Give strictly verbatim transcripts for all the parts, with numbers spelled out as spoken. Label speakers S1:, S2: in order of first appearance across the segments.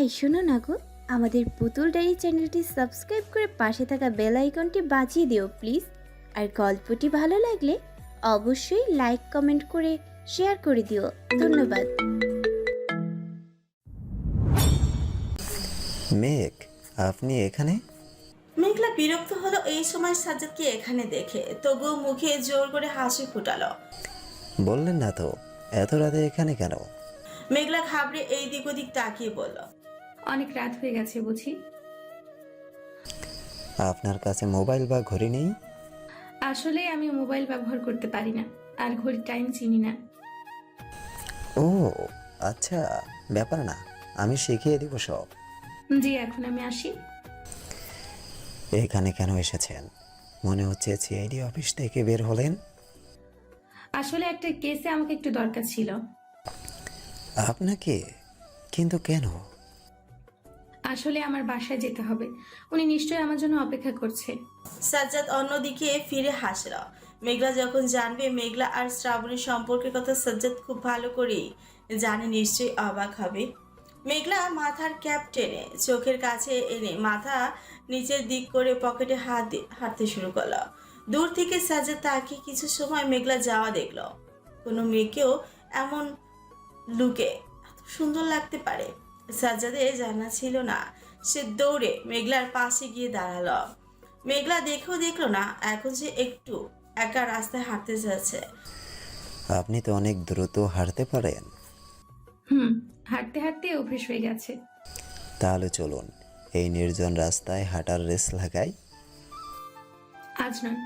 S1: এই শোনো না গো, আমাদের পুতুল ডায়েরি চ্যানেলটি সাবস্ক্রাইব করে পাশে থাকা বেল আইকনটি বাজিয়ে দিও প্লিজ। আর গল্পটি ভালো লাগলে অবশ্যই লাইক কমেন্ট করে শেয়ার করে দিও। ধন্যবাদ।
S2: মেঘ, আপনি এখানে?
S3: মেঘলা বিরক্ত হলো এই সময় সাজ্জাদকে এখানে দেখে, তবুও মুখে জোর করে হাসি ফুটালো।
S2: বললেন না তো এত রাতে এখানে কেন?
S3: মেঘলা ঘাবড়ে এই দিক ওদিক তাকিয়ে বলল,
S4: অনেক রাত হয়ে গেছে বুঝি।
S2: আপনার কাছে মোবাইল বা ঘড়ি নেই?
S4: আসলে আমি মোবাইল ব্যবহার করতে পারি না, আর ঘড়ির টাইম চিনি না।
S2: ও আচ্ছা, ব্যাপার না, আমি শিখিয়ে দিব সব।
S4: জি, এখন আমি আসি।
S2: এখানে কেন এসেছেন? মনে হচ্ছে সিআইডি অফিস থেকে বের হলেন।
S4: আসলে একটা কেসে আমাকে একটু দরকার ছিল।
S2: আপনাকে? কিন্তু কেন?
S4: আসলে আমার বাসায় যেতে হবে, উনি নিশ্চয়ই আমার জন্য অপেক্ষা করছে।
S3: সাজ্জাদ অন্যদিকে ফিরে হাসল। মেঘলা যখন জানবে মেঘলা আর শ্রাবণীর সম্পর্কের কথা সাজ্জাদ খুব ভালো করেই জানে, নিশ্চয়ই অবাক হবে। মেঘলা মাথার ক্যাপ টেনে চোখের কাছে এনে মাথা নিচের দিক করে পকেটে হাত দিয়ে হাঁটতে শুরু করলো। দূর থেকে সাজ্জাদ তাকে কিছু সময় মেঘলা যাওয়া দেখলো। কোনো মেয়েকেও এমন লুকে এত সুন্দর লাগতে পারে সাজ্জাদের জানা ছিল না। সে দৌড়ে মেঘলার পাশে গিয়ে দাঁড়ালো। মেঘলা দেখেও দেখলো না এখন সে একটু একা রাস্তায় হাঁটতে যাচ্ছে।
S2: আপনি তো অনেক দ্রুত হাঁটতে পারেন।
S4: হুম, হাঁটতে হাঁটতে অভ্যেস হয়ে গেছে।
S2: তাহলে চলুন এই নির্জন রাস্তায় হাঁটার রেস লাগাই।
S4: আজ নয়।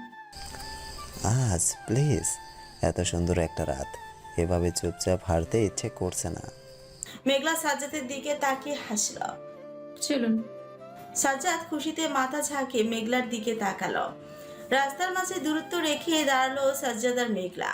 S2: আজ প্লিজ, এত সুন্দর একটা রাত, এভাবে চুপচাপ হাঁটতে ইচ্ছে করছে না।
S3: মেঘলা সাজ্জাদের দিকে তাকিয়ে হাসল।
S4: চলুন।
S3: সাজ্জাদ খুশিতে মাথা ঝাঁকে মেঘলার দিকে তাকালো। রাস্তার মাঝে দূরত্ব রেখে দাঁড়ালো সাজ্জাদ আর মেঘলা।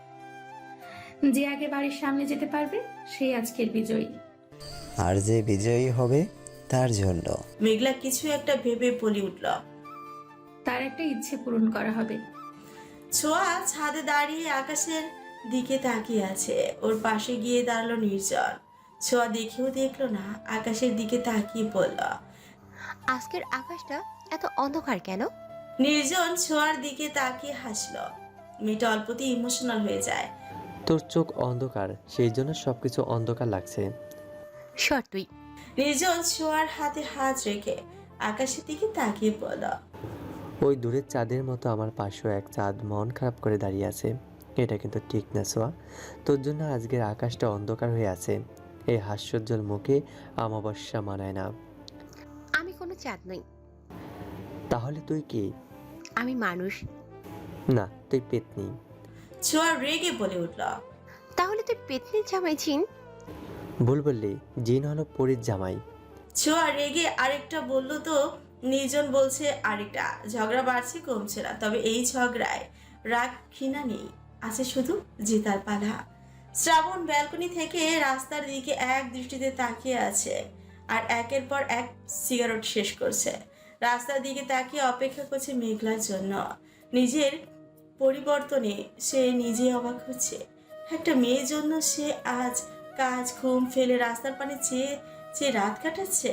S4: যে আগে বাড়ির সামনে যেতে পারবে সেই আজকের বিজয়ী।
S2: আর যে বিজয়ী হবে তার জন্য
S3: মেঘলা কিছু একটা ভেবে বলে উঠল।
S4: তার একটা ইচ্ছে পূরণ করা হবে।
S3: ছোঁয়া ছাদে দাঁড়িয়ে আকাশের দিকে তাকিয়ে আছে। ওর পাশে গিয়ে দাঁড়ালো নির্জন। ছোঁয়া দেখেও দেখলো না, আকাশের দিকে তাকিয়ে বলল,
S5: আজকের আকাশটা এত অন্ধকার কেন?
S3: নির্জন ছোঁয়ার দিকে তাকিয়ে হাসলো। মেয়েটা অল্পতেই ইমোশনাল হয়ে যায়।
S6: তোর চোখ অন্ধকার, সেই জন্য সবকিছু অন্ধকার লাগছে।
S5: সর তুই।
S3: নির্জন ছোঁয়ার হাতে হাত রেখে আকাশের দিকে তাকিয়ে বলল,
S6: ওই দূরের চাঁদের মতো আমার পাশেও এক চাঁদ মন খারাপ করে দাঁড়িয়ে আছে। এটা কিন্তু ঠিক না সোয়া, তোর জন্য আজকের আকাশটা অন্ধকার হয়ে আছে। এই হাস্যোজ্জ্বল মুখে অমাবস্যা মানায় না।
S5: আমি কোনো চাঁদ নই।
S6: তাহলে তুই কি?
S5: আমি মানুষ।
S6: না, তুই পেতনি।
S3: ছোঁয়া রেগে বলে উঠল,
S5: তাহলে তুই পেতনির জামাই ছিন।
S6: ভুল বললি, জিন হলো পরীর জামাই।
S3: ছোঁয়া রেগে আরেকটা বলল তো নির্জন বলছে আরেকটা। ঝগড়া বাড়ছে কমছে না, তবে এই ঝগড়ায় রাগ ঘৃণা নেই, আছে শুধু জেতার পালা। শ্রাবণ ব্যালকনি থেকে রাস্তার দিকে এক দৃষ্টিতে তাকিয়ে আছে আর একের পর এক সিগারেট শেষ করছে। রাস্তার দিকে তাকিয়ে অপেক্ষা করছে মেঘলার জন্য। নিজের পরিবর্তনে সে নিজে অবাক হচ্ছে। একটা মেয়ের জন্য সে আজ কাজ ঘুম ফেলে রাস্তার পানে চেয়ে চেয়ে রাত কাটাচ্ছে।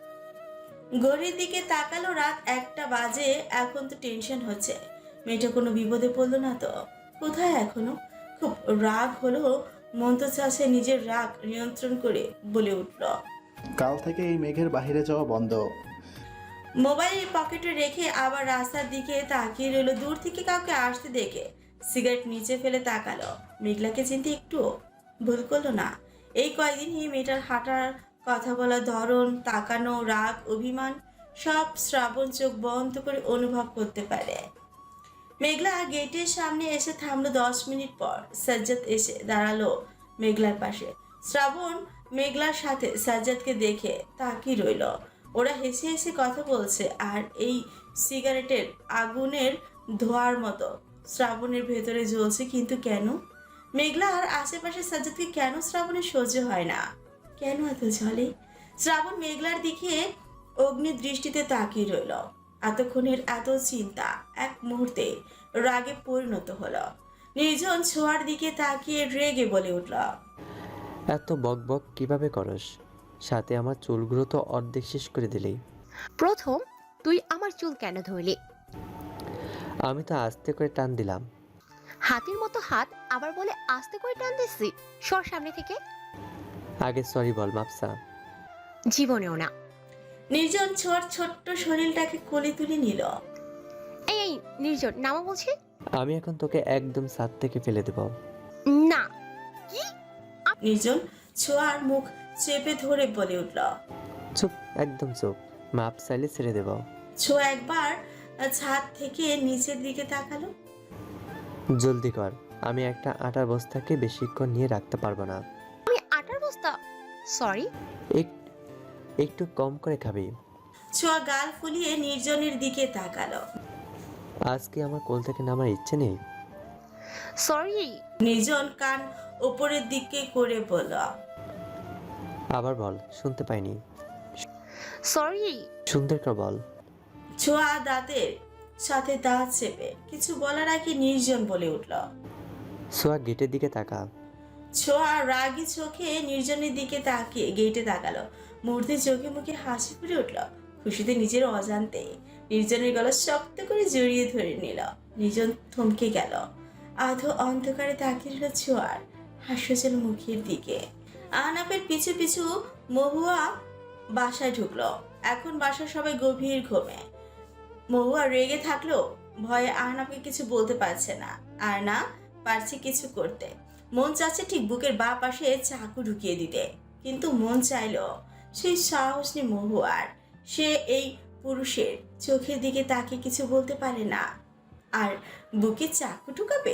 S3: ঘড়ির দিকে তাকালো, রাত একটা বাজে। এখন তো টেনশন হচ্ছে মেয়েটা কোনো বিপদে পড়লো না তো। কোথায় এখনো? খুব রাগ হলো, মন তো চাচ্ছে নিজের রাগ নিয়ন্ত্রণ করে বলে উঠল,
S7: কাল থেকে এই মেঘের বাইরে যাওয়া বন্ধ।
S3: মোবাইল পকেটে রেখে আবার রাস্তার দিকে তাকিয়ে রইল। দূর থেকে কাউকে আসতে দেখে সিগারেট নিচে ফেলে তাকালো। মেঘলাকে চিনতে একটু ভুল করলো না। এই কয়েকদিনই মেয়েটার হাঁটার, কথা বলার ধরন, তাকানো, রাগ, অভিমান সব শ্রাবণ চোখ বন্ধ করে অনুভব করতে পারে। মেঘলা গেটের সামনে এসে থামলো। দশ মিনিট পর সাজ্জাদ এসে দাঁড়ালো মেঘলার পাশে। শ্রাবণ মেঘলার সাথে সাজ্জাদকে দেখে তাকিয়ে রইল। ওরা হেসে হেসে কথা বলছে আর এই সিগারেটের আগুনের ধোঁয়ার মতো শ্রাবণের ভেতরে জ্বলছে। কিন্তু কেন? মেঘলা আর আশেপাশে সাজ্জাদকে কেন শ্রাবণের সহ্য হয় না? কেন এত ঝলে? শ্রাবণ মেঘলার দিকে অগ্নি দৃষ্টিতে তাকিয়ে রইল। এতক্ষণের এত চিন্তা এক মুহূর্তে রাগে পরিণত হলো। নির্জন ছোঁয়ার দিকে তাকিয়ে রেগে বলে উঠল,
S6: এত বক বক কিভাবে করস? সাথে আমার চুলগুলো তো অর্ধেক শেষ করে দিলেই।
S5: প্রথম তুই আমার চুল কেন ধরলি?
S6: আমি তো আস্তে করে টান দিলাম।
S5: হাতির মতো হাত, আবার বলে আস্তে করে টান দিচ্ছি। সর সামনে থেকে।
S6: আগে সরি বল মাপসা।
S5: জীবনেও না।
S3: নির্জন ছোঁয়ার ছোট্ট শরীরটাকে কোলে তুলে নিল।
S5: এই এই নির্জন, নামা বলছি।
S6: আমি এখন তোকে একদম ছাদ থেকে ফেলে দেব।
S5: না।
S3: নির্জন ছোঁয়ার মুখ চেপে ধরে বলে উঠল।
S6: চুপ, একদম চুপ। মাপ চাইলে ছেড়ে দেব।
S3: ছোঁয়া একবার ছাদ থেকে নিচের দিকে তাকালো।
S6: জলদি কর, আমি একটা আটার বস্তাকে বেশিক্ষণ নিয়ে রাখতে পারবো না।
S5: আমি আটার বস্তা? সরি।
S6: এক- একটু কম করে খাবি।
S3: ছোঁয়া গাল ফুলিয়ে নির্জনের দিকে তাকালো।
S6: আজকে আমার কোল থেকে নামার ইচ্ছে নেই।
S5: সরি।
S3: নির্জন কান উপরের দিকে করে বলল।
S6: আবার বল, শুনতে পাইনি।
S5: সরি।
S6: সুন্দর করে বল।
S3: ছোঁয়া দাঁতের সাথে দাঁত চেপে কিছু বলার আগে নির্জন বলে উঠল।
S6: সোয়া গেটের দিকে তাকা।
S3: ছোঁয়া রাগী চোখে নির্জনের দিকে তাকিয়ে গেটে তাকালো। মুহূর্তে চোখে মুখে হাসি ফুটে উঠল। খুশিতে নিজের অজান্তে নির্জনের গলা শক্ত করে জড়িয়ে ধরে নিল। নির্জন থমকে গেল। আধো অন্ধকারে তাকিয়ে রইল ছোঁয়ার হাস্যজল মুখের দিকে। আহনাফের পিছু পিছু মহুয়া বাসায় ঢুকলো। এখন বাসার সবাই গভীর ঘুমে। মহুয়া রেগে থাকলেও ভয়ে আহনাফকে কিছু বলতে পারছে না, আর না পারছে কিছু করতে। মন চাচ্ছে ঠিক বুকের বা পাশে চাকু ঢুকিয়ে দিতে, কিন্তু মন চাইলো সেই সাহস নেই মহুয়ার। সে এই পুরুষের চোখের দিকে তাকিয়ে কিছু বলতে পারে না, আর বুকে চাকু ঢুকাবে।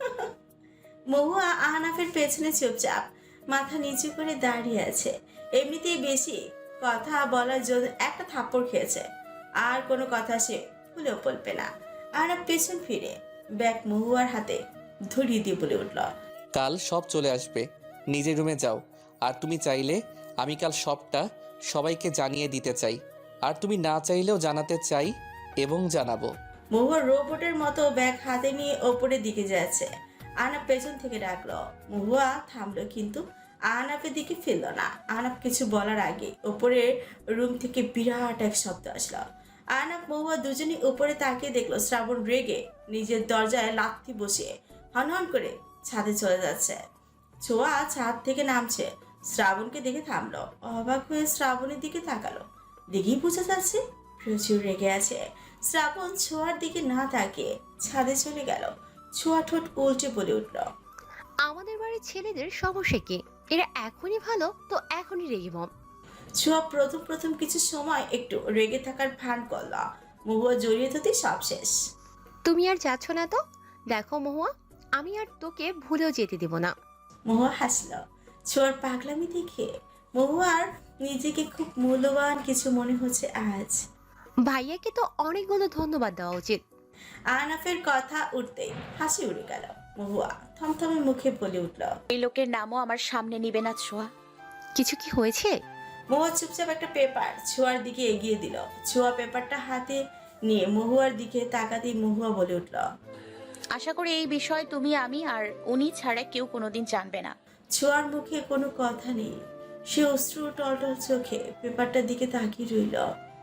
S3: মহুয়া আহনাফের পেছনে চুপচাপ মাথা নিচু করে দাঁড়িয়ে আছে। এমনিতেই বেশি কথা বলার জন্য একটা থাপ্পড় খেয়েছে, আর কোনো কথা সে ভুলেও বলবে না। আহনাফ পেছন ফিরে ব্যাগ মহুয়ার হাতে ধরিয়ে দিয়ে বলে উঠল।
S8: কাল সব চলে আসবে, নিজের রুমে যাও। আর তুমি চাইলে আমি কাল সবটা সবাইকে জানিয়ে দিতে চাই, আর তুমি না চাইলেও জানাতে চাই এবং জানাবো।
S3: মহুয়া রোবটের মতো ব্যাগ হাতে নিয়ে ওপরের দিকে যাচ্ছে। আহনাফ পেছন থেকে ডাকলো। মহুয়া থামলো, কিন্তু আহনাফের দিকে ফিরল না। আহনাফ কিছু বলার আগে ওপরের রুম থেকে বিরাট এক শব্দ আসলো। আহনাফ মহুয়া দুজনই উপরে তাকিয়ে দেখলো শ্রাবণ রেগে নিজের দরজায় লাথি বসিয়ে হনহন করে ছাদে চলে যাচ্ছে। ছোঁয়া ছাদ থেকে নামছে, শ্রাবণকে দেখে থামলো। অবাক হয়ে শ্রাবণের দিকে তাকালো। দেখেই বোঝা যাচ্ছে প্রচুর রেগে আছে। শ্রাবণ ছোঁয়ার দিকে না তাকিয়ে ছাদে চলে গেল। ছোঁয়া ঠোঁট উল্টে বলে উঠল।
S5: আমাদের বাড়ির ছেলেদের সমস্যা কি? এরা এখনই ভালো তো এখনই রেগে মম।
S3: ছোঁয়া প্রথম প্রথম কিছু সময় একটু রেগে থাকার ভান করল। মহুয়া জড়িয়ে ধরতে সব শেষ।
S5: তুমি আর যাচ্ছ না তো? দেখো মহুয়া, আমি আর তোকে ভুলেও যেতে দেব না।
S3: মহুয়া হাসল ছোঁয়ার পাগলামি দেখে। মহুয়ার নিজেকে খুব মূল্যবান কিছু মনে হচ্ছে আজ।
S5: ভাইয়াকে তো অনেকগুলো ধন্যবাদ দেওয়া উচিত।
S3: আহনাফের কথা উঠতেই হাসি উড়ে গেল। মহুয়া থমথমে মুখে বলে উঠল।
S9: এই লোকের নামও আমার সামনে নিবে না ছোঁয়া।
S5: কিছু কি হয়েছে?
S3: মহুয়া চুপচাপ একটা পেপার ছোঁয়ার দিকে এগিয়ে দিল। ছোঁয়া পেপারটা হাতে নিয়ে মহুয়ার দিকে তাকাতেই মহুয়া বলে উঠল।
S9: আশা করি এই বিষয় তুমি, আমি আর উনি ছাড়া কেউ কোনোদিন জানবে না।
S3: ছোঁয়ার মুখে কোনো কথা নেই। সে অশ্রু টলটল চোখে পেপারটার দিকে তাকিয়ে রইল।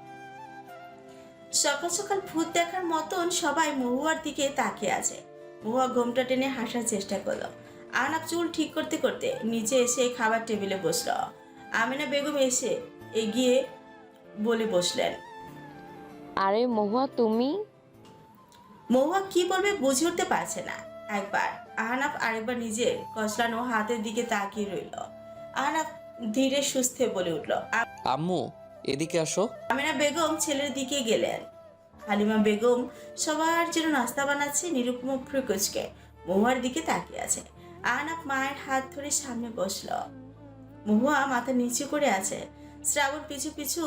S3: সকাল সকাল ভূত দেখার মতন সবাই মহুয়ার দিকে তাকিয়ে আছে। মহুয়া ঘোমটা টেনে হাসার চেষ্টা করলো। আহনাফ চুল ঠিক করতে করতে নিচে এসে খাবার টেবিলে বসলো। আমিনা বেগম এসে এগিয়ে বলে বসলেন।
S10: আরে মহুয়া তুমি?
S3: মহুয়া কি বলবে বুঝে উঠতে পারছে না। একবার আহনাফ আরেকবার নিজের কচলানো হাতের দিকে তাকিয়ে রইল। আহনাফ ধীরে সুস্থে বলে উঠল।
S8: আম্মু এদিকে আসো।
S3: আমিনা বেগম ছেলের দিকে গেলেন। হালিমা বেগম সবার জন্য নাস্তা বানাচ্ছে। নিরুপমা ফ্রুকুচকে মহুয়ার দিকে তাকিয়ে আছে। আহনাফ মায়ের হাত ধরে সামনে বসলো। মহুয়া মাথা নিচু করে আছে। শ্রাবণ পিছু পিছু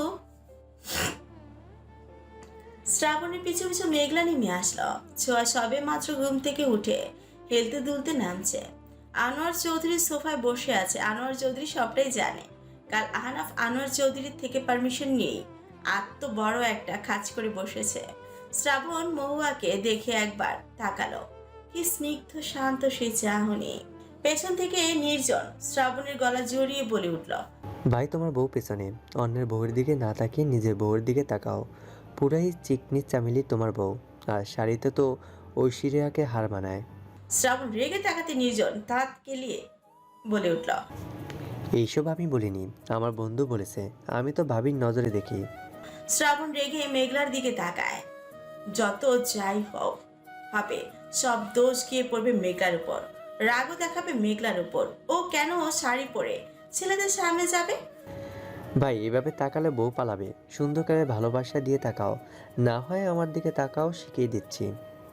S3: শ্রাবণের পিছু পিছু মেঘলা নেমে আসলো। ছোঁয়া সবে মাত্র ঘুম থেকে উঠে হেলতে দুলতে নামছে। আনোয়ার চৌধুরী সোফায় বসে আছে। আনোয়ার চৌধুরী সবটাই জানে। কাল আহনাফ আনোয়ার চৌধুরীর থেকে পারমিশন নিয়েই আত্ম বড় একটা খাঁচ করে বসেছে। শ্রাবণ মহুয়াকে দেখে একবার তাকালো। কি স্নিগ্ধ শান্ত সেই চাহনি। পেছন থেকে নির্জন শ্রাবণের গলা জড়িয়ে বলে উঠল।
S6: ভাই তোমার বউ পেছনে, অন্যের বউয়ের দিকে না তাকিয়ে নিজের বউয়ের দিকে তাকাও। পুরাই চিকনি চামেলি তোমার বউ, আর শাড়িতে তো ঐশ্বরিয়াকে হার মানায়।
S3: শ্রাবণ রেগে তাকাতে নির্জন তাঁত কেলিয়ে বলে উঠল।
S6: এইসব আমি বলিনি, আমার বন্ধু বলেছে। আমি তো ভাবির নজরে দেখি।
S3: শ্রাবণ রেগে মেঘলার দিকে তাকায়। যত যাই হোক হবে, সব দোষ গিয়ে পড়বে মেঘলার উপর। রাগও দেখাবে মেঘলার উপর। ও কেন শাড়ি পরে ছেলেদের সামনে যাবে?
S6: ভাই এভাবে তাকালে বউ পালাবে। সুন্দর করে ভালোবাসা দিয়ে তাকাও, না হয় আমার দিকে তাকাও, শিখিয়ে দিচ্ছি।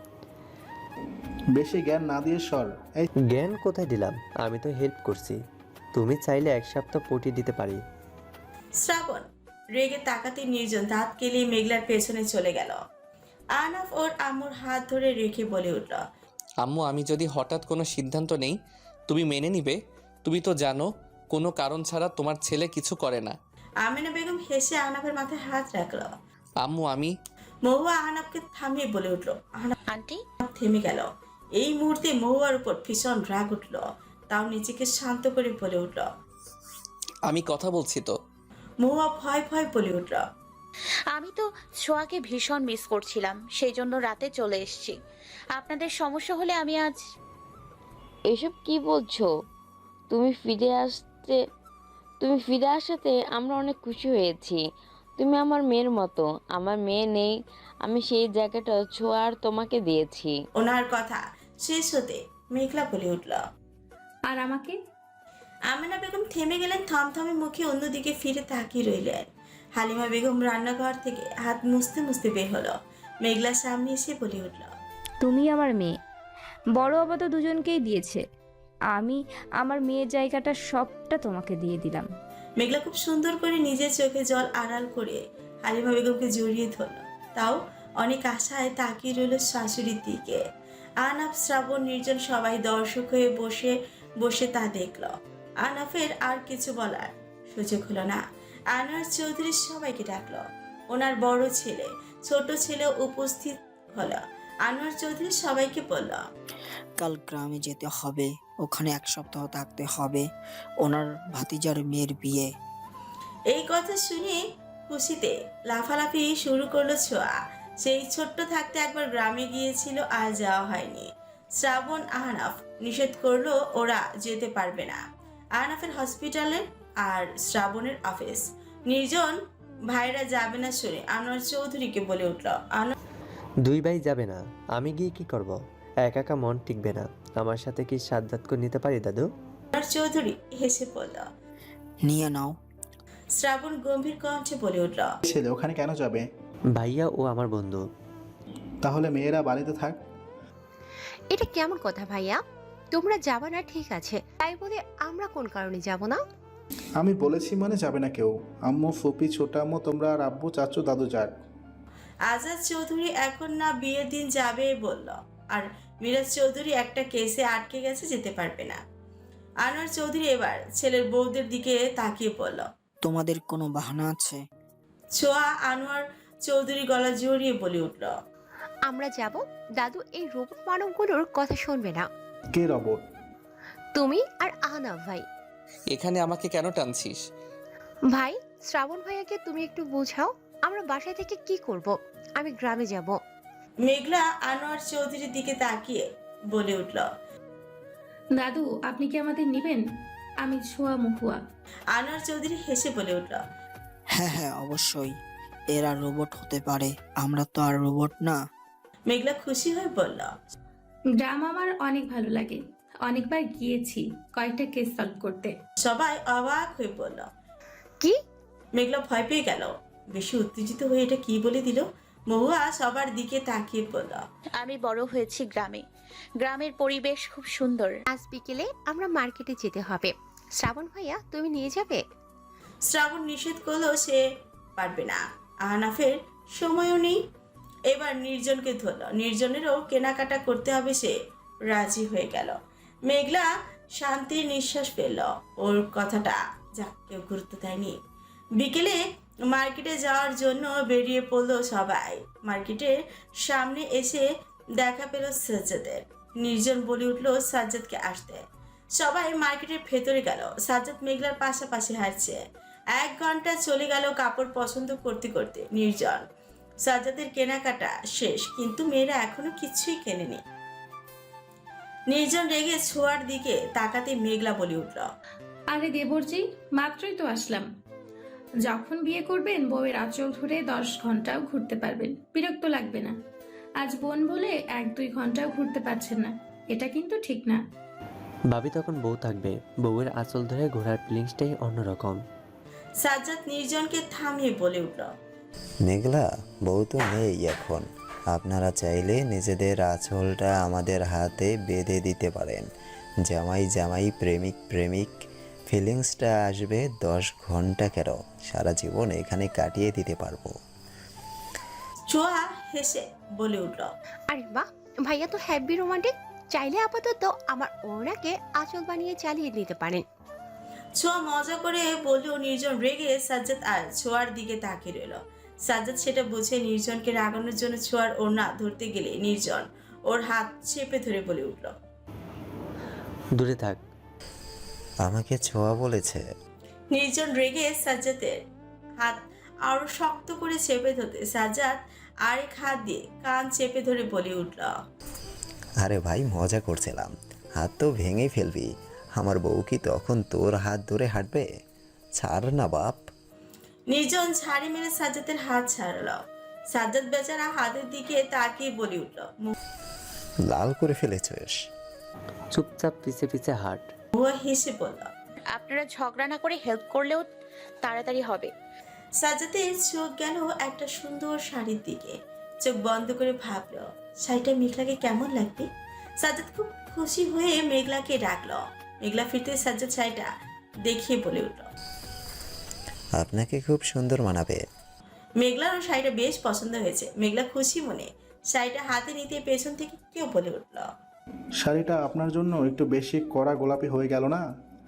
S7: বেশি জ্ঞান না দিয়ে সর। এই
S6: জ্ঞান কোথায় দিলাম? আমি তো হেল্প করছি। তুমি চাইলে এক সপ্তাহ পটি দিতে পারি।
S3: শ্রাবণ রেগে তাকাতে নির্জন দাঁত কেলিয়ে মেঘলার পেছনে চলে গেল। আহনাফ ওর আম্মুর হাত ধরে রেখে বলে উঠল।
S8: আম্মু, আমি যদি হঠাৎ কোনো সিদ্ধান্ত নেই তুমি মেনে নিবে? তুমি তো জানো কোনো কারণ ছাড়া তোমার ছেলে কিছু করে না।
S3: আমিনা বেগম হেসে আহনাফের মাথায় হাত রাখল।
S8: আম্মু আমি
S3: মহুয়া আহনাফকে থামিয়ে বলে উঠল। আহনাফ
S9: আন্টি
S3: থেমে গেল। এই মুহূর্তে মহুয়ার উপর ভীষণ রাগ উঠল। তাও নিজেকে শান্ত করে বলে উঠল।
S8: আমি কথা বলছি তো।
S3: মহুয়া ভয় ভয় বলে উঠল।
S9: আমি তো ছোঁয়াকে ভীষণ মিস করছিলাম, সেই জন্য রাতে চলে এসেছি। আপনাদের সমস্যা হলে আমি আজ
S10: এসব কি বলছো? তুমি ফিরে আসতে তুমি ফিরে আসাতে আমরা অনেক খুশি হয়েছি। তুমি আমার মেয়ের মতো। আমার মেয়ে নেই, আমি সেই জায়গাটা ছোঁয়া আর তোমাকে দিয়েছি।
S3: ওনার কথা শেষ হতে মেঘলা বলে উঠল।
S4: আর আমাকে?
S3: আমিনা বেগম থেমে গেলেন। থমথমে মুখে অন্যদিকে ফিরে তাকিয়ে রইলেন। হালিমা বেগম রান্নাঘর থেকে হাত মুছতে মুছতে বের হলো। মেঘলার সামনে এসে বলে উঠল।
S11: তুমি আমার মেয়ে, বড় বাবা তো দুজনকেই দিয়েছে, আমি আমার মেয়ের জায়গাটা সবটা তোমাকে দিয়ে দিলাম।
S3: মেঘলা খুব সুন্দর করে নিজের চোখে জল আড়াল করে হালিমা বেগমকে জড়িয়ে ধরল। তাও অনেক আশায় তাকিয়ে রইল শাশুড়ির দিকে। আহনাফ, শ্রাবণ, নির্জন সবাই দর্শক হয়ে বসে বসে তা দেখল। আহনাফের আর কিছু বলার সুযোগ হলো না। আনোয়ার চৌধুরী সবাইকে ডাকলো। ওনার বড় ছেলে ছোট ছেলে উপস্থিত হলো। আনোয়ার চৌধুরী সবাইকে বলল,
S12: কাল গ্রামে যেতে হবে, ওখানে এক সপ্তাহ থাকতে হবে, ওনার ভাতিজার মেয়ের বিয়ে।
S3: এই কথা শুনে খুশিতে লাফালাফি শুরু করলো ছোঁয়া। সেই ছোট্ট থাকতে একবার গ্রামে গিয়েছিল, আর যাওয়া হয়নি। শ্রাবণ, আহনাফ নিষেধ করলো ওরা যেতে পারবে না। আহনাফের হসপিটালে আর শ্রাবণের অফিস। নির্জন ভাইরা যাবে না শুনে আনোয়ার চৌধুরীকে বলে উঠল।
S6: দুই ভাই যাবে না, আমি গিয়ে কি করব? একা একা মন টিকবে না। আমার সাথে কি সাধ্যাত করে নিতে পারি দাদু?
S3: আনোয়ার চৌধুরী হেসে বলল।
S12: নিয়ে নাও।
S3: শ্রাবণ গম্ভীর কণ্ঠে বলে উঠল।
S7: ছেলে ওখানে কেন যাবে?
S6: ভাইয়া ও আমার বন্ধু।
S7: তাহলে মেয়েরা বাড়িতে থাক।
S5: এটা কেমন কথা ভাইয়া? তোমরা যাবা না ঠিক আছে, তাই বলে আমরা কোন কারণে যাব না?
S7: আমি বলেছি মানে যাবে না কেউ। আম্মু, ফুপি, ছোট আম্মু, তোমরা আর আব্বু, চাচু, দাদু যাক।
S3: আজাদ চৌধুরী এখন না বিয়ের দিন যাবে বলল। আর মিরাজ চৌধুরী একটা কেসে আটকে গেছে, যেতে পারবে না। আনোয়ার চৌধুরী এবার ছেলের বউদের দিকে তাকিয়ে বলল।
S12: তোমাদের কোনো বাহানা আছে?
S3: ছোঁয়া আনোয়ার চৌধুরী গলা জড়িয়ে বলে উঠল।
S5: আমরা যাব। দাদু এই রোবট মানবগুলোর কথা শুনবে না।
S7: কে রবট?
S5: তুমি আর আহনাফ ভাই।
S8: এখানে আমাকে কেন টানছিস?
S5: ভাই, শ্রাবণ ভাইয়াকে তুমি একটু বোঝাও। আমরা বাসায় থেকে কি করব? আমি গ্রামে যাব।
S3: মেঘলা আনোয়ার চৌধুরীর দিকে তাকিয়ে বলে উঠল।
S4: দাদু, আপনি কি আমাদের নিবেন? আমি ছোঁয়া মহুয়া।
S3: আনোয়ার চৌধুরী হেসে বলে উঠল।
S12: হ্যাঁ হ্যাঁ অবশ্যই, এরা রোবট হতে পারে, আমরা তো আর রোবট না।
S3: মেঘলা খুশি হয়ে বলল।
S4: গ্রাম আমার অনেক ভালো লাগে, অনেকবার গিয়েছি কয়েকটা কেস সলভ করতে।
S3: সবাই অবাক হয়ে বলল।
S5: কি?
S3: মেঘলা ভয় পেয়ে গেল। বেশি উত্তেজিত হয়ে এটা কি বলে দিল। মহুয়া সবার দিকে তাকিয়ে বলল।
S9: আমি বড় হয়েছি গ্রামে, গ্রামের পরিবেশ খুব সুন্দর।
S5: আজ বিকেলে আমরা মার্কেটে যেতে হবে, শ্রাবণ ভাইয়া তুমি নিয়ে যাবে?
S3: শ্রাবণ নিষেধ করলো সে পারবে না। আহনাফের সময়ও নেই। এবার নির্জনকে ধরল। নির্জনেরও কেনাকাটা করতে হবে, সে রাজি হয়ে গেল। মেঘলা শান্তির নিঃশ্বাস ফেলল। ওর কথাটা যাক কেউ গুরুত্ব দেয়নি। বিকেলে মার্কেটে যাওয়ার জন্য বেরিয়ে পড়লো সবাই। মার্কেটের সামনে এসে দেখা পেল সাজ্জাদের। নির্জন বলে উঠল সাজ্জাদকে আসতে। সবাই মার্কেটের ভেতরে গেল। সাজ্জাদ মেঘলার পাশাপাশি হাঁটছে। এক ঘন্টা চলে গেল কাপড় পছন্দ করতে করতে। নির্জন। সাজ্জাদের কেনাকাটা শেষ, কিন্তু মেয়েরা এখনো কিছুই কেনেনি। নির্জন রেগে ছোঁয়ার দিকে তাকাতে মেঘলা বলে উঠল,
S4: আরে দেবরজি, মাত্রই তো আসলাম। যখন বিয়ে করবেন বউয়ের আঁচল ধরে দশ ঘন্টাও ঘুরতে পারবেন, বিরক্ত লাগবে না। আজ বোন বলে এক দুই ঘন্টাও ঘুরতে পারছেন না, এটা কিন্তু ঠিক না।
S6: ভাবি তখন বউ থাকবে, বউয়ের আঁচল ধরে ঘোরার ফিলিংসটাই অন্যরকম।
S3: সাজ্জাদ নির্জনকে থামিয়ে বলে উঠল,
S2: মেঘলা, বউ তো নেই এখন। আপনারা চাইলে নিজেদের আঁচলটা আমাদের হাতে বেঁধে দিতে পারেন। জামাই জামাই, প্রেমিক প্রেমিক ফিলিংসটা আসবে দশ ঘন্টা কেন, সারা জীবন এখানে কাটিয়ে দিতে পারবো।
S3: ছোঁয়া হেসে বলে উঠল,
S5: আরে বাহ, ভাইয়া তো হ্যাপি রোমান্টিক। চাইলে আপাতত আমার ওনাকে আঁচল বানিয়ে চালিয়ে নিতে পারেন।
S3: ছোঁয়া মজা করে বললেও নির্জন রেগে সাজ্জাদ আর ছোঁয়ার দিকে তাকিয়ে রইল। সাজ্জাদ সেটা বুঝে নির্জনকে রাগানোর জন্য ছোঁয়ার ওড়না ধরতে গেলে নির্জন ওর হাত চেপে ধরে বলে উঠল,
S6: দূরে থাক।
S2: আমাকে ছোঁয়া বলেছে?
S3: নির্জন রেগে সাজ্জাদের হাত আরো শক্ত করে চেপে ধরতে সাজ্জাদ আরেক হাত দিয়ে কান চেপে ধরে বলে উঠল,
S2: আরে ভাই, মজা করছিলাম, হাত তো ভেঙে ফেলবি। আমার বউ কি তখন তোর হাত ধরে হাঁটবে? ছাড় না বাপ।
S3: নির্জন ঝাড়ি মেরে সাজ্জাদের হাত ছাড়ল। সাজ্জাদ বেচারা হাতের দিকে তাকিয়ে বলে উঠল,
S2: লাল করে ফেলেছিস।
S6: চুপচাপ পিছে পিছে হাঁট।
S3: মহুয়া হেসে বলল,
S9: আপনারা ঝগড়া না করে হেল্প করলেও তাড়াতাড়ি হবে।
S3: সাজ্জাদের চোখ গেল একটা সুন্দর শাড়ির দিকে। চোখ বন্ধ করে ভাবলো শাড়িটা মেঘলাকে কেমন লাগবে। সাজ্জাদ খুব খুশি হয়ে মেঘলাকে ডাকলো। মেঘলা ফিরতে সাজ্জাদ শাড়িটা দেখিয়ে বলে উঠল,
S2: আপনাকে খুব সুন্দর মানাবে।
S3: মেঘলারও শাড়িটা বেশ পছন্দ হয়েছে। মেঘলা খুশি মনে শাড়িটা হাতে নিতে পেছন থেকে কেউ বলে উঠল,
S7: শাড়িটা আপনার জন্য একটু বেশি কড়া গোলাপি হয়ে গেল না?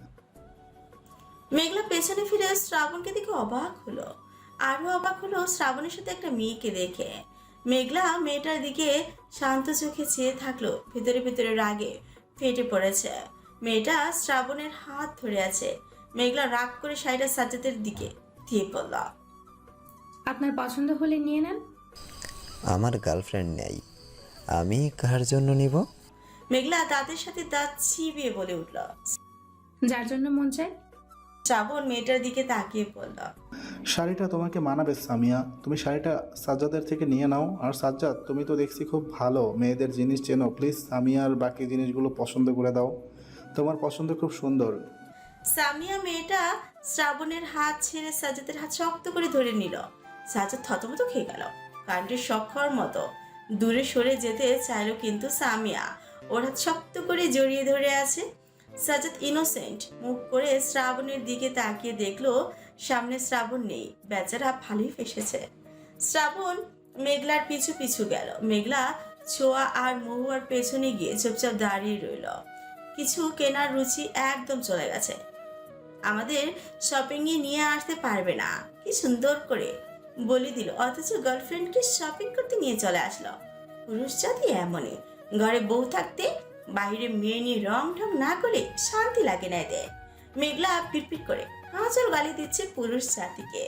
S3: মেঘলা পেছনে ফিরে শ্রাবণকে দেখে অবাক হলো। আরো অবাক হলো শ্রাবণের সাথে একটা মেয়েকে দেখে। মেঘলা মেয়েটার দিকে শান্ত চোখে চেয়ে থাকলো, ভেতরে ভেতরে রাগে ফেটে পড়েছে। মেয়েটা শ্রাবণের হাত ধরে আছে। মেঘলা রাগ করে শাড়িটা সাজ্জাদের দিকে দিয়ে পড়ল,
S4: আপনার পছন্দ হলে নিয়ে নেন।
S2: আমার গার্লফ্রেন্ড নেই, আমি কার জন্য নিব?
S3: মেঘলা দাঁতের সাথে দাঁত চিবিয়ে বলে উঠল।
S4: যার জন্য মন চায়।
S3: শ্রাবণ মেয়েটার দিকে তাকিয়ে পড়ল,
S7: শাড়িটা তোমাকে মানাবে সামিয়া, তুমি শাড়িটা সাজ্জাদের থেকে নিয়ে নাও। আর সাজ্জাদ, তুমি তো দেখছি খুব ভালো মেয়েদের জিনিস চেনো, প্লিজ সামিয়ার বাকি জিনিসগুলো পছন্দ করে দাও, তোমার পছন্দ খুব সুন্দর।
S3: সামিয়া মেয়েটা শ্রাবণের হাত ছেড়ে সাজ্জাদের হাত শক্ত করে ধরে নিল। সাজ্জাদ থতমত খেয়ে গেল। কাণ্ডের শখর মতো দূরে সরে যেতে চাইলো, কিন্তু সামিয়া ওর হাত শক্ত করে জড়িয়ে ধরে আছে। সাজ্জাদ ইনোসেন্ট মুখ করে শ্রাবণের দিকে তাকিয়ে দেখলো সামনে শ্রাবণ নেই। বেচারা ভালোই ফেসেছে। শ্রাবণ মেঘলার পিছু পিছু গেল। মেঘলা ছোঁয়া আর মহুয়ার পেছনে গিয়ে চুপচাপ দাঁড়িয়ে রইল। কিছু কেনার রুচি একদম চলে গেছে। আমাদের শপিংয়ে নিয়ে আসতে পারবে না, কি সুন্দর করে বলে দিল, অথচ গার্লফ্রেন্ডকে শপিং করতে নিয়ে চলে আসলো। পুরুষ জাতি এমনই, ঘরে বউ থাকতে বাইরে মেয়ে নিয়ে রং ঢং না করে শান্তি লাগে না এদের। মেঘলা পিটপিট করে হাজার গালি দিচ্ছে পুরুষ জাতিকে,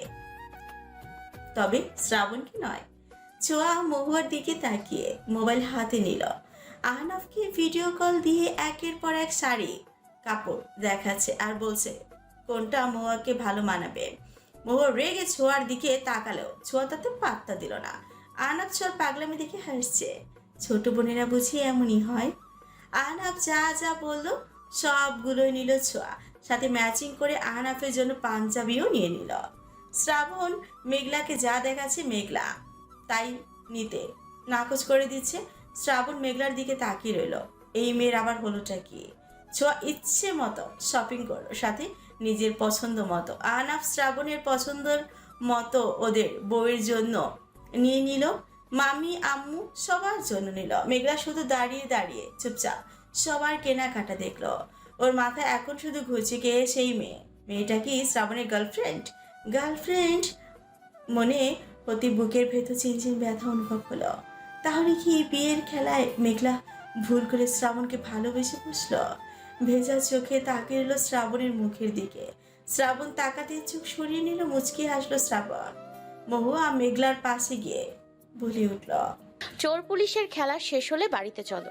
S3: তবে শ্রাবণকে নয়। ছোঁয়া মহুয়ার দিকে তাকিয়ে মোবাইল হাতে নিল। আহনাফকে ভিডিও কল দিয়ে একের পর এক শাড়ি কাপড় দেখাচ্ছে আর বলছে কোনটা মহুয়াকে ভালো মানাবে। মহুয়া রেগে ছোঁয়ার দিকে তাকালো, ছোঁয়া তাতে পাত্তা দিল না। আহনাফ ছোঁয়ার পাগলামি দেখে হাসছে। ছোট বোনেরা বুঝি এমনই হয়। আহনাফ যা যা বললো সবগুলোই নিল ছোঁয়া, সাথে ম্যাচিং করে আহনাফের জন্য পাঞ্জাবিও নিয়ে নিল। শ্রাবণ মেঘলাকে যা দেখাচ্ছে মেঘলা তাই নিতে নাকচ করে দিচ্ছে। শ্রাবণ মেঘলার দিকে তাকিয়ে রইল, এই মেয়ের আবার হলোটা কি? ছোঁয়া ইচ্ছে মতো শপিং করলো, সাথে নিজের পছন্দ মতো। আহনাফ শ্রাবণের পছন্দের মতো ওদের বউয়ের জন্য নিয়ে নিল, মামি আম্মু সবার জন্য নিল। মেঘলা শুধু দাঁড়িয়ে দাঁড়িয়ে চুপচাপ সবার কেনাকাটা দেখলো। ওর মাথায় এখন শুধু ঘুরছে কে সেই মেয়ে। মেয়েটা কি শ্রাবণের গার্লফ্রেন্ড? গার্লফ্রেন্ড মনে হতে বুকের ভেতর চিনচিন ব্যথা অনুভব হলো। তাহলে কি বিয়ের খেলায় মেঘলা ভুল করে শ্রাবণকে ভালোবেসে বসলো? ভেজা চোখে তাকিয়ে রইল শ্রাবণের মুখের দিকে। শ্রাবণ তাকাতে চোখ সরিয়ে নিল, মুচকি হাসলো শ্রাবণ। মহুয়া মেঘলার পাশে গিয়ে বলে উঠল,
S9: চোর পুলিশের খেলা শেষ হলে বাড়িতে চলো।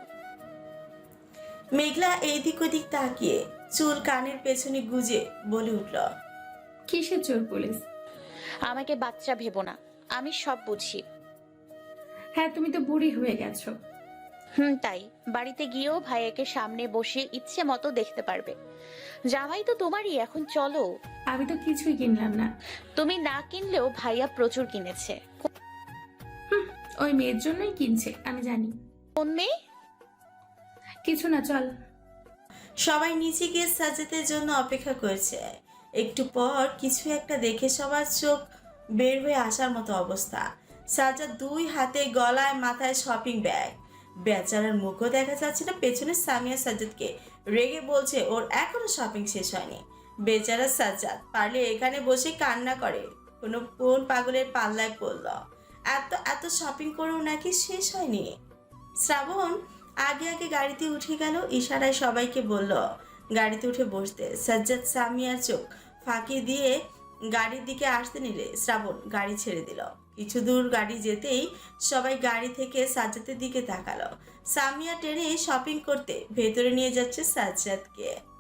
S3: মেঘলা এইদিক ওদিক তাকিয়ে চুল কানের পেছনে গুজে বলে উঠল,
S4: কিসের চোর পুলিশ?
S9: আমাকে বাচ্চা ভেবো না, আমি সব বুঝি।
S4: হ্যাঁ, তুমি তো বুড়ি হয়ে গেছো।
S9: হুম, তাই বাড়িতে গিয়েও ভাইয়াকে সামনে বসিয়ে ইচ্ছে মতো দেখতে পারবে। জামাই তো তোমারই, এখন চলো।
S4: আমি তো কিছুই কিনলাম না।
S9: তুমি না কিনলেও ভাইয়া প্রচুর কিনেছে।
S4: ওই মেয়ের জন্যই কিনছে, আমি জানি।
S9: কোন মেয়ে?
S4: কিছু না, চল।
S3: সবাই নিচে গিয়ে সাজ্জাদের জন্য অপেক্ষা করছে। একটু পর কিছু একটা দেখে সবার চোখ বের হয়ে আসার মতো অবস্থা। সাজ্জাদ দুই হাতে গলায় মাথায় শপিং ব্যাগ। বেচারার মুখও দেখা যাচ্ছে না। পেছনে সামিয়া সাজ্জাদকে রেগে বলছে ওর এখনো শপিং শেষ হয়নি। বেচারা সাজ্জাদ পারলে এখানে বসে কান্না করে, কোনো কোন পাগলের পাল্লায় পড়ল। এত এত শপিং করেও নাকি শেষ হয়নি। শ্রাবণ আগে আগে গাড়িতে উঠে গেল, ইশারায় সবাইকে বলল গাড়িতে উঠে বসতে। সাজ্জাদ সামিয়ার চোখ ফাঁকি দিয়ে গাড়ির দিকে আসতে নিলে শ্রাবণ গাড়ি ছেড়ে দিল। কিছু দূর গাড়ি যেতেই সবাই গাড়ি থেকে সাজ্জাদের দিকে তাকালো। সামিয়া টেনে শপিং করতে ভেতরে নিয়ে যাচ্ছে সাজ্জাদকে।